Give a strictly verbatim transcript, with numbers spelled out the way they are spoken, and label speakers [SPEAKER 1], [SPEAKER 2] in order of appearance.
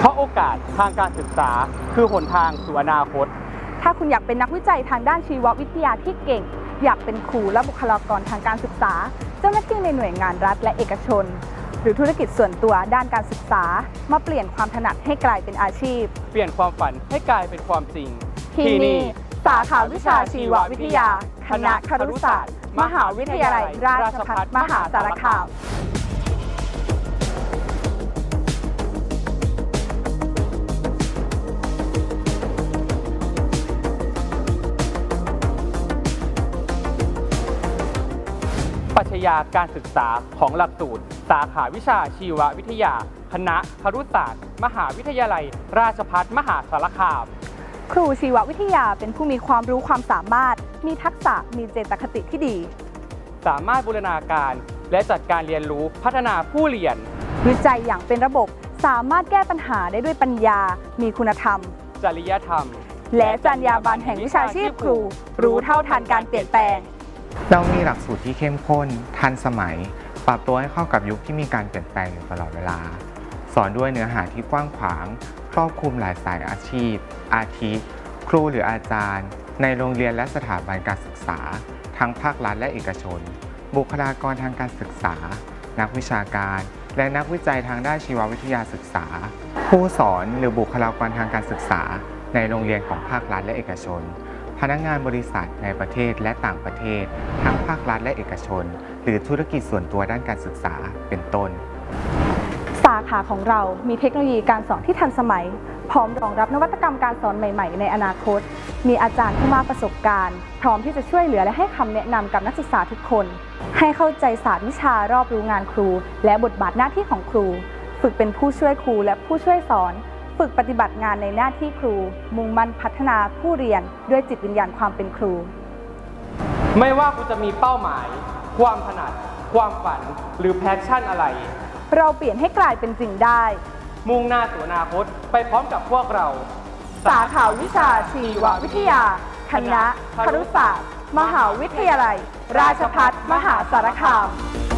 [SPEAKER 1] เพราะโอกาสทางการศึกษาคือหนทางสู่อนาคต
[SPEAKER 2] ถ้าคุณอยากเป็นนักวิจัยทางด้านชีววิทยาที่เก่งอยากเป็นครูและบุคลากรทางการศึกษาเจ้าหน้าที่ในหน่วยงานรัฐและเอกชนหรือธุรกิจส่วนตัวด้านการศึกษามาเปลี่ยนความถนัดให้กลายเป็นอาชีพ
[SPEAKER 1] เปลี่ยนความฝันให้กลายเป็นความจริง
[SPEAKER 2] ที่นี่สาขาวิชาชีววิทยาคณะครุศาสตร์มหาวิทยาลัยราชภัฏมหาสารคาม
[SPEAKER 1] ปรัชญาการศึกษาของหลักสูตรสาขาวิชาชีววิทยาคณะครุศาสตร์มหาวิทยาลัยราชภัฏมหาสารคาม
[SPEAKER 2] ครูชีววิทยาเป็นผู้มีความรู้ความสามารถมีทักษะมีเจตคติที่ดี
[SPEAKER 1] สามารถบูรณาการและจัดการเรียนรู้พัฒนาผู้เรียน
[SPEAKER 2] วิจัยอย่างเป็นระบบสามารถแก้ปัญหาได้ด้วยปัญญามีคุณธรรม
[SPEAKER 1] จริยธรรม
[SPEAKER 2] และจรรยาบรรณแห่งวิชาชีพครูรู้เท่าทันการเปลี่ยนแปลง
[SPEAKER 3] เรามีหลักสูตรที่เข้มข้นทันสมัยปรับตัวให้เข้ากับยุคที่มีการเปลี่ยนแปลงอยู่ตลอดเวลาสอนด้วยเนื้อหาที่กว้างขวางครอบคลุมหลายสายอาชีพอาทิครูหรืออาจารย์ในโรงเรียนและสถาบันการศึกษาทั้งภาครัฐและเอกชนบุคลากรทางการศึกษานักวิชาการและนักวิจัยทางด้านชีววิทยาศึกษาผู้สอนหรือบุคลากรทางการศึกษาในโรงเรียนของภาครัฐและเอกชนพนักงานบริษัทในประเทศและต่างประเทศทั้งภาครัฐและเอกชนหรือธุรกิจส่วนตัวด้านการศึกษาเป็นต้น
[SPEAKER 2] สาขาของเรามีเทคโนโลยีการสอนที่ทันสมัยพร้อมรองรับนวัตกรรมการสอนใหม่ๆในอนาคตมีอาจารย์ผู้มากประสบการณ์พร้อมที่จะช่วยเหลือและให้คำแนะนำกับนักศึกษาทุกคนให้เข้าใจศาสตร์วิชารอบรู้งานครูและบทบาทหน้าที่ของครูฝึกเป็นผู้ช่วยครูและผู้ช่วยสอนฝึกปฏิบัติงานในหน้าที่ครูมุ่งมั่นพัฒนาผู้เรียนด้วยจิตวิญญาณความเป็นครู
[SPEAKER 1] ไม่ว่าคุณจะมีเป้าหมายความถนัดความฝันหรือแพชชั่นอะไร
[SPEAKER 2] เราเปลี่ยนให้กลายเป็นจริงได้
[SPEAKER 1] มุ่งหน้าสู่อนาคตไปพร้อมกับพวกเรา
[SPEAKER 2] สาขาวิชาชีววิทยาคณะครุศาสตร์มหาวิทยาลัยราชภัฏมหาสารคาม